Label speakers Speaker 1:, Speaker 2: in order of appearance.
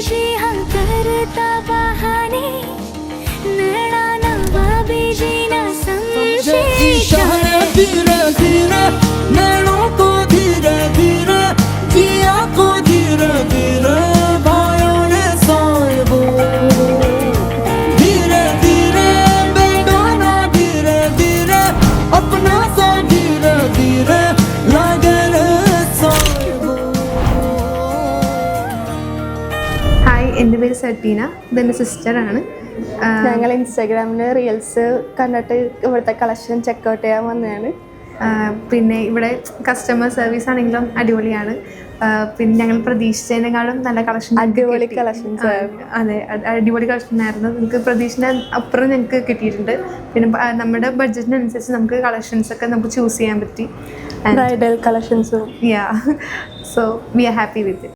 Speaker 1: जी हम करता बहाने नैना नवाबी जी ना समझे
Speaker 2: इशारे धीरे धीरे नैनों को धीरे धीरे जिया को धीरे धीरे भाइयों ने साहिबो धीरे धीरे बेगाना धीरे धीरे अपना सा धीरे धीरे लगे रे साहिबो.
Speaker 3: ഹായ്, എൻ്റെ പേര് സബീന, ഇതെൻ്റെ സിസ്റ്ററാണ്.
Speaker 4: ഞങ്ങൾ ഇൻസ്റ്റാഗ്രാമിൽ റീൽസ് കണ്ടിട്ട് ഇവിടുത്തെ കളക്ഷൻ ചെക്കൗട്ട് ചെയ്യാൻ വന്നതാണ്.
Speaker 3: പിന്നെ ഇവിടെ കസ്റ്റമർ സർവീസ് ആണെങ്കിലും അടിപൊളിയാണ്. പിന്നെ ഞങ്ങൾ പ്രതീക്ഷിച്ചതിനേക്കാളും നല്ല കളക്ഷൻ,
Speaker 4: അടിപൊളി കളക്ഷൻസ്.
Speaker 3: അതെ, അടിപൊളി കളക്ഷൻ ആയിരുന്നു. നമുക്ക് പ്രതീക്ഷിച്ച അപ്പുറം ഞങ്ങൾക്ക് കിട്ടിയിട്ടുണ്ട്. പിന്നെ നമ്മുടെ ബഡ്ജറ്റിനനുസരിച്ച് നമുക്ക് കളക്ഷൻസ് ഒക്കെ നമുക്ക് ചൂസ് ചെയ്യാൻ പറ്റി.
Speaker 4: ബ്രൈഡൽ കളക്ഷൻസും.
Speaker 3: Yeah, so we are happy with it.